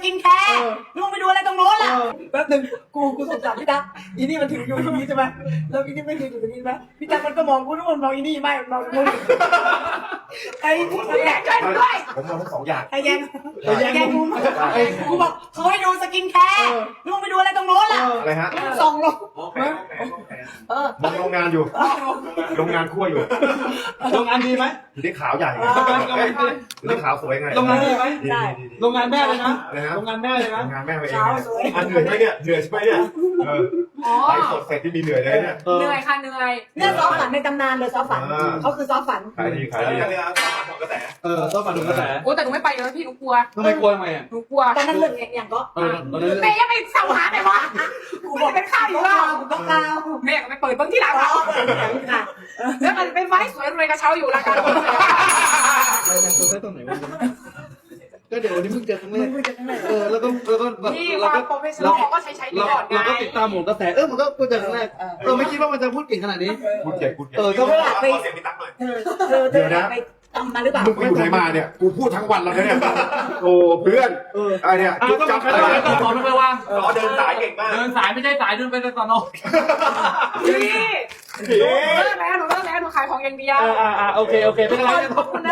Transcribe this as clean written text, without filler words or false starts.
กินแคร์ลุงไปดูอะไรตรงโน้นล่ะแป๊บนึงกูสงสารพี่ตั๊กอีนี่มันถืออยู่ตรงนี้ใช่ไหมแล้วอีนี่ไม่ถืออยู่ตรงนี้ไหมพี่ตั๊กมันก็มองกูนู่นมองอีนี่ไม่มองกูไอ้แย่งกันด้วยผมมองทั้งสองอย่างไอ้แย่งกูบอกเขาให้ดูสกินแคร์ลุงไปดูอะไรตรงโน้นล่ะอะไรฮะส่องลงมองโรงงานอยู่โรงงานคั่วอยู่โรงงานดีไหมอยู่ที่ขาวใหญ่อยู่ที่ขาวสวยไงโรงงานดีไหมดีโรงงานแม่เลยนะนะฮะโรงงานแม่เลยนะโรงงานแม่ไปเองอันเหนื่อยไหมเนี่ยเหนื่อยใช่ไหมเนี่ยไลฟ์สดเสร็จที่มีเหนื่อยเลยเนี่ยเหนื่อยค่ะเหนื่อยเนี่ยซอฟฝันในตำนานเลยซอฟฝันเขาคือซอฟฝันขายดีขายดีต้องมาดูกระแสโอ้แต่หนูไม่ไปเลยพี่หนูกลัวทำไมกลัวทำไมอ่ะหนูกลัวตอนนั้นเรื่องอย่างก็ตอนนั้นแม่ยังไปเสาหาไหนวะกูบอกเป็นข้าวอยู่แล้วต้องกาวแม่ก็ไปเปิดเบิ้งที่หลังอ่ะแล้วมันเป็นไม้สวยรวยกระเช้าอยู่ราคาเราทำตัวได้ตรงไหนวะก็เดี๋ยววันนี้เพิ่งเจอครั้งแรกมึงจะยังไงแล้วก็แบบที่เราความก็โปรเฟชชั่นอลเขาก็ใช้นี่ก่อนไงเราก็ติดตามหมกระแสมันก็พูดจากครั้งแรกไม่คิดว่ามันจะพูดเก่งขนาดนี้พูดเก่งพูดเก่งก็เธอไปเธอไปทำมาหรือเปล่ามึงไปอยู่ไหนมาเนี่ยกูพูดทั้งวันแล้วเนี่ยโอ้เพื่อนไอเนี่ยจุ๊บจับอะไรเนี่ยตอนไม่ว่างเดินสายเก่งมากเดินสายไม่ใช่สายเดินไปในตอนนอกพี่หนูเลิกแล้วหนูขายของอย่างเดียวโอเคเป็นไรขอบคุณนะ